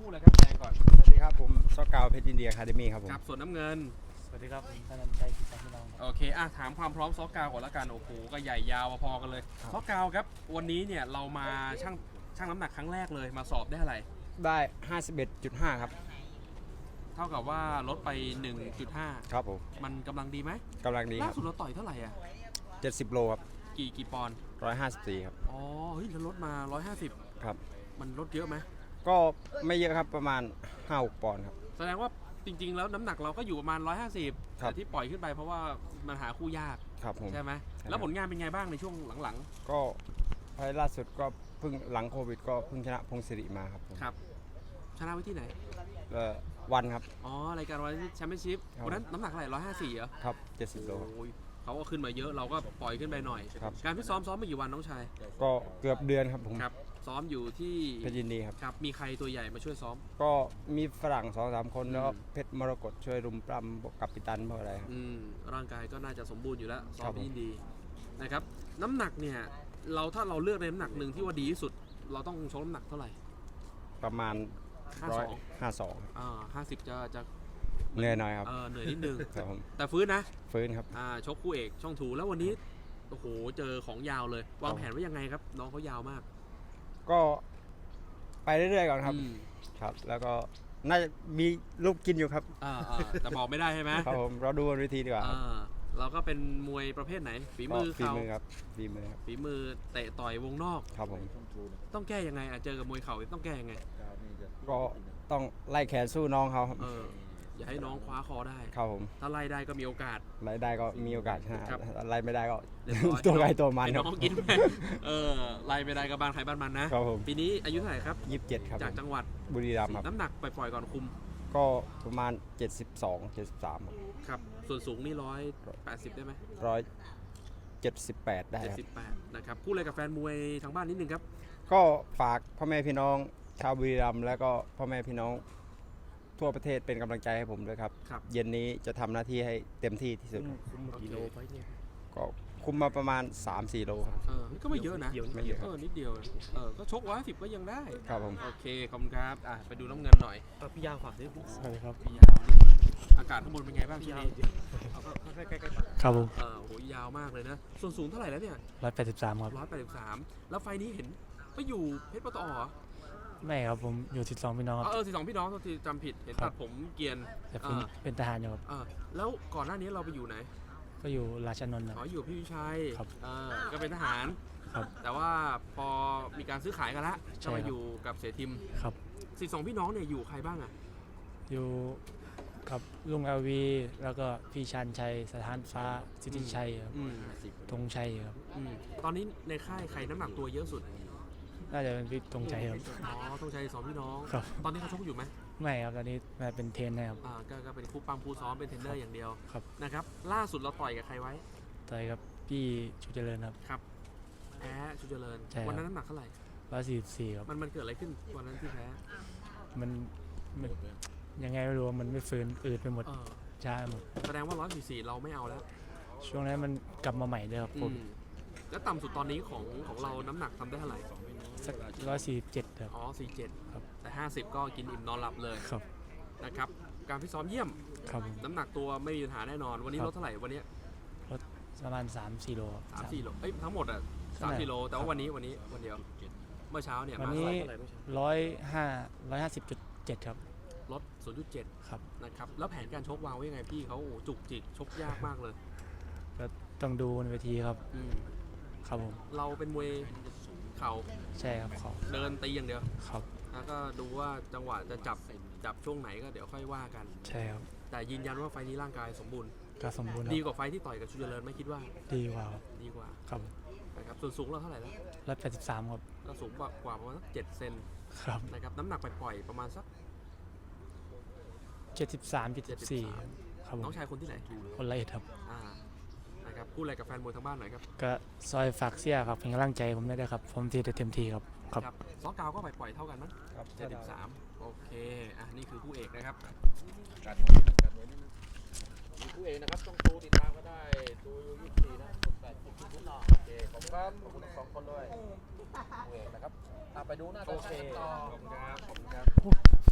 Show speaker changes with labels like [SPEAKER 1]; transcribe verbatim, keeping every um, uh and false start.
[SPEAKER 1] คู่เลยครับแดงก่อน
[SPEAKER 2] สวัสดีครับผมซอกาวเพชรอินเดียคาเดมี่ครับผม
[SPEAKER 1] ครับส่วนน้ำเงิน
[SPEAKER 3] สวัสดีครับผมธนันชัยกิจพี่น้อง
[SPEAKER 1] โอเคอ่ะถามความพร้อมซอกาวก่อนละกันโอ้โหก็ใหญ่ยาวพอกันเลยซอกาวครับวันนี้เนี่ยเรามาชั่งชั่งน้ำหนักครั้งแรกเลยมาสอบได้อะไร
[SPEAKER 2] ได้ ห้าสิบเอ็ดจุดห้า ครับ
[SPEAKER 1] เท่ากับว่าลดไป หนึ่งจุดห้า
[SPEAKER 2] ครับผม
[SPEAKER 1] มันกำลังดีไหม
[SPEAKER 2] กำลังดีค
[SPEAKER 1] ล่า
[SPEAKER 2] รับ
[SPEAKER 1] สุดเราต่อยเท่าไหร่อ่ะ
[SPEAKER 2] เจ็ดสิบโลครับ
[SPEAKER 1] กี่กี่ปอนด์
[SPEAKER 2] หนึ่งร้อยห้าสิบสี่ครับ
[SPEAKER 1] อ๋อเฮ้ยเราลดมาหนึ่งร้อยห้าสิบ
[SPEAKER 2] ครับ
[SPEAKER 1] มันลดเยอะไหม
[SPEAKER 2] ก็ไม่เยอะครับประมาณ ห้าหก ปอนด์ครับ
[SPEAKER 1] แสดงว่าจริงๆแล้วน้ำหนักเราก็อยู่ประมาณหนึ่งร้อยห้าสิบแต่ที่ปล่อยขึ้นไปเพราะว่ามันหาคู่ยาก
[SPEAKER 2] ครับผม
[SPEAKER 1] ใช่ไหมแล้วผลงานเป็นไงบ้างในช่วงหลัง
[SPEAKER 2] ๆก็ไฟล่าสุดก็เพิ่งหลังโควิดก็เพิ่งชนะพงศิริมาครับผม
[SPEAKER 1] ครับชนะไว้ที่ไหน
[SPEAKER 2] เอ่อวันครับ
[SPEAKER 1] อ๋อรายการวันแชมเปี้ยนชิพวันนั้นน้ำหนักเท่าไหร่หนึ่งร้อยห้าสิบสี่เหรอ
[SPEAKER 2] ครับเจ็ดสิบโล
[SPEAKER 1] โอ้ยเขาก็ขึ้นมาเยอะเราก็ปล่อยขึ้นไปหน่อยการพิซ้อมซ้อมมากี่วันน้องชาย
[SPEAKER 2] ก็เกือบเดือนครับผม
[SPEAKER 1] ครับซ้อมอยู่ที่
[SPEAKER 2] เพชรยินดีครับ
[SPEAKER 1] ครับมีใครตัวใหญ่มาช่วยซ้อม
[SPEAKER 2] ก็มีฝรั่ง สองสาม คนแล้วเพชรมรกตช่วยรุมปล้ำบอกกับปิตันเพราะอะไรครับ
[SPEAKER 1] อืมร่างกายก็น่าจะสมบูรณ์อยู่แล้วซ้อมยินดีนะครับน้ำหนักเนี่ยเราถ้าเราเลือกในน้ำหนักหนึ่งที่ว่าดีที่สุดเราต้องชกน้ำหนักเท่าไหร่
[SPEAKER 2] ประมาณร้อยห้าสอง
[SPEAKER 1] อ่าห้าสิบจะจะ
[SPEAKER 2] เหนื่อยหน่อยครับ
[SPEAKER 1] เออเหนื่อยนิดนึง
[SPEAKER 2] ครับผม
[SPEAKER 1] แต่ฟื้นนะ
[SPEAKER 2] ฟื้นครับ
[SPEAKER 1] อ่าชกคู่เอกช่องถูแล้ววันนี้โอ้โหเจอของยาวเลยวางแผนไว้ยังไงครับน้องเขายาวมาก
[SPEAKER 2] ก็ไปเรื่อยๆก่อนครับครับแล้วก็น่าจะมีลูกกินอยู่ครับ
[SPEAKER 1] อ่าแต่บอกไม่ได้ใช่ไหม
[SPEAKER 2] ครับผมเราดูบนเวทีดีกว่า
[SPEAKER 1] เราก็เป็นมวยประเภทไหนฝีมือ
[SPEAKER 2] ฝีมือครับฝีมือครับ
[SPEAKER 1] ฝีมือเตะต่อยวงนอก
[SPEAKER 2] ครับผม
[SPEAKER 1] ต้องแก้ยังไงเจอกับมวยเข่าต้องแก้ยังไง
[SPEAKER 2] ก็ต้องไล่แขนสู้น้องเขาครับ
[SPEAKER 1] อย่าให้น้องคว้าคอได้
[SPEAKER 2] ครับผม
[SPEAKER 1] ถ้าไล่ได้ก็มีโอกาส
[SPEAKER 2] ไล่ได้ก็มีโอกาสชนะไล่ไม่ได้ก็ตัวใครตัวมัน
[SPEAKER 1] น้องกินเออไล่ไม่ได้ก็บ้านใครบ้านมันนะครับผมปีนี้อายุเท่าไหร่ครับ
[SPEAKER 2] ยี่สิบเจ็ดครับ
[SPEAKER 1] จากจังหวัด
[SPEAKER 2] บุรีรัมย์ครับ
[SPEAKER 1] น้ำหนักปล่อยๆก่อนคุม
[SPEAKER 2] ก็ประมาณเจ็ดสิบสอง เจ็ดสิบสาม
[SPEAKER 1] ครับส่วนสูงนี่หนึ่งร้อยแปดสิบได้ไหม
[SPEAKER 2] หนึ่งร้อยเจ็ดสิบแปดได้ครับ
[SPEAKER 1] เจ็ดสิบแปดนะครับพูดอะไรกับแฟนมวยทางบ้านนิดนึงครับ
[SPEAKER 2] ก็ฝากพ่อแม่พี่น้องชาวบุรีรัมย์แล้วก็พ่อแม่พี่น้องทั่วประเทศเป็นกำลังใจให้ผมด้วยครับเย็นนี้จะทำหน้าที่ให้เต็มที่ที่สุด
[SPEAKER 3] คุมกี่โลไปเนี่ย
[SPEAKER 2] ก็คุมมาประมาณ สามสี่ โลครับ
[SPEAKER 1] เออก็ไม่เยอะนะ
[SPEAKER 2] ไม่เยอะ
[SPEAKER 1] เออนิดเดียวเออก็ชกร้อยสิบก็ยังได้
[SPEAKER 2] ครับผม
[SPEAKER 1] โอเคขอบคุณครับอ่ะไปดูน้ำเงินหน่อย
[SPEAKER 3] พี่ยาวฝากด้วยสวัสดีครับ
[SPEAKER 1] พี่ยาวนี่อากาศข้างบนเป็นไงบ้างที่นี่
[SPEAKER 3] ใกล้ๆครับผม
[SPEAKER 1] เออโหยาวมากเลยนะส่วนสูงเท่าไหร่แล้วเนี่ย
[SPEAKER 3] ร้อยแปดสิบสามครับ
[SPEAKER 1] ร้อยแปดสิบสามแล้วไฟนี้เห็นไปอยู่เพชรปตอเหรอ
[SPEAKER 3] ไม่ครับผมอยู่สิบสองพี่น้อง
[SPEAKER 1] เออสิบสองพี่น้องที่จำผิดเห็นตัดผมเกียน
[SPEAKER 3] แต่ผมเป็นทหารอยู่ครับ
[SPEAKER 1] แล้วก่อนหน้านี้เราไปอยู่ไหน
[SPEAKER 3] ก็อยู่ราชนนท์
[SPEAKER 1] อ๋ออยู่พี่วิชัย
[SPEAKER 3] ครับ
[SPEAKER 1] ก็เป็นทหาร
[SPEAKER 3] ครับ
[SPEAKER 1] แต่ว่าพอมีการซื้อขายกันละก็มาอยู่กับเสทิม
[SPEAKER 3] ครับ
[SPEAKER 1] สิบสองพี่น้องเนี่ยอยู่ใครบ้างอ่ะ
[SPEAKER 3] อยู่กับลุงเอลวีแล้วก็พี่ชันชัยสถานฟ้าสิทธิชัยครับธงชัยครับ
[SPEAKER 1] ตอนนี้ในค่ายใครน้ำหนักตัวเยอะสุด
[SPEAKER 3] น่าจะเป็นพี่ธงชัยครับ
[SPEAKER 1] อ๋อธงชัยสองพี่น้อง
[SPEAKER 3] ครับ
[SPEAKER 1] ตอนนี้เขาชกอยู่ไหม
[SPEAKER 3] ไม่ครับตอนนี้มาเป็นเทรนนะครับ
[SPEAKER 1] อ่าก็เป็นคู่ปั้มคู่ซ้อมเป็นเทรนเนอร์อย่างเดียว
[SPEAKER 3] ครับ
[SPEAKER 1] นะครับล่าสุดเราต่อยกับใครไว้
[SPEAKER 3] ต่อยกับพี่ชูเจริญครับ
[SPEAKER 1] ครับแพ้ชูเจริญวันนั้นน้ำหนักเท่าไหร่
[SPEAKER 3] ร้อยสี่สิบสี่ครับ
[SPEAKER 1] มันมันเกิดอะไรขึ้นวันนั้นที่แพ้
[SPEAKER 3] มันยังไงไม่รู้มันไม่ฟื้นอืดไปหมดช้าหมด
[SPEAKER 1] แสดงว่าร้อยสี่สิบสี่เราไม่เอาแล้ว
[SPEAKER 3] ช่วงนั้นมันกลับมาใหม่เลยครับผม
[SPEAKER 1] แล้วต่ำสุดตอนนี้ของของเราน้ำหนักทำได้เท่าไหร่
[SPEAKER 3] สักร้อยสี่สิบเจ็ดครับ
[SPEAKER 1] อ๋อสี่สิบเจ็ด
[SPEAKER 3] ครับ
[SPEAKER 1] แต่ห้าสิบก็กินอิ่มนอนหลับเลย
[SPEAKER 3] ครับ
[SPEAKER 1] นะครับการพิซ้อมเยี่ยม
[SPEAKER 3] ครับ
[SPEAKER 1] น้ำหนักตัวไม่มีปัญหาแน่นอนวันนี้ลดเท่าไหร่วันนี้
[SPEAKER 3] ลดประมาณสามสี่โล
[SPEAKER 1] สามสี่โลเอ้ยทั้งหมดอ่ะสามสี่โลแต่ว่าวันนี้วันนี้วันเดียวเมื่อเช้าเนี่ย
[SPEAKER 3] วันนี้ร้อยห้าร้อยห้าสิบจุดเจ็ดครับ
[SPEAKER 1] ลดศูนย์จุดเจ็ด
[SPEAKER 3] ครับ
[SPEAKER 1] นะครับแล้วแผนการชกวางไว้ยังไงพี่เขาจุกจิกชกยากมากเลย
[SPEAKER 3] ก็ต้องดูในเวทีครับครับผม
[SPEAKER 1] เราเป็นมวยเข่า
[SPEAKER 3] ใช่ครับเขา
[SPEAKER 1] เดินตีอย่างเดียว
[SPEAKER 3] ครับ
[SPEAKER 1] แล้วก็ดูว่าจังหวะจะจับจับช่วงไหนก็เดี๋ยวค่อยว่ากัน
[SPEAKER 3] ใช่ครับ
[SPEAKER 1] แต่ยืนยันว่าไฟนี้ร่างกายสมบูรณ์
[SPEAKER 3] ก็สมบูรณ์
[SPEAKER 1] ดีกว่าไฟที่ต่อยกับชูเจริญไม่คิดว่า
[SPEAKER 3] ดีกว่า
[SPEAKER 1] ดีกว่า
[SPEAKER 3] ครับ
[SPEAKER 1] นะครับส่วนสูงเราเท่าไหร่แล้ว
[SPEAKER 3] ร้อยแปดสิบสามครับ
[SPEAKER 1] เราสูงกว่ากว่าประมาณสักเจ็ดเซน
[SPEAKER 3] ครับ
[SPEAKER 1] นะครับน้ำหนักไปปล่อยประมาณสัก
[SPEAKER 3] เจ็ดสิบสามเจ็ดสิบสี่ครับ
[SPEAKER 1] น้องชายคนที่ไหน
[SPEAKER 3] คนละเอียดครับ
[SPEAKER 1] นะครับพูดอะไรกับแฟนมวยทางบ้านหน่อยครับ
[SPEAKER 3] ก็ซอยฝากเสียครับเป็นกำลังใจผมได้ครับผมทีเต็มทีครับ
[SPEAKER 1] ครับซอกาวก็ไปปล่อยเท่ากันมั้งเจ็ดสิบสามโอเคอ่ะนี่คือคู่เอกนะครับการการนี้มีคู่เอกนะครับต้องดูติดตามก็ได้ดูยี่สิบสี่นะแปดสิบทุกหน่อโอเคขอบคุณครับขอบคุณสองคนด้วยคู่เอกนะครับไปดูหน้าตาต่อขอบคุณครับขอบคุณครับ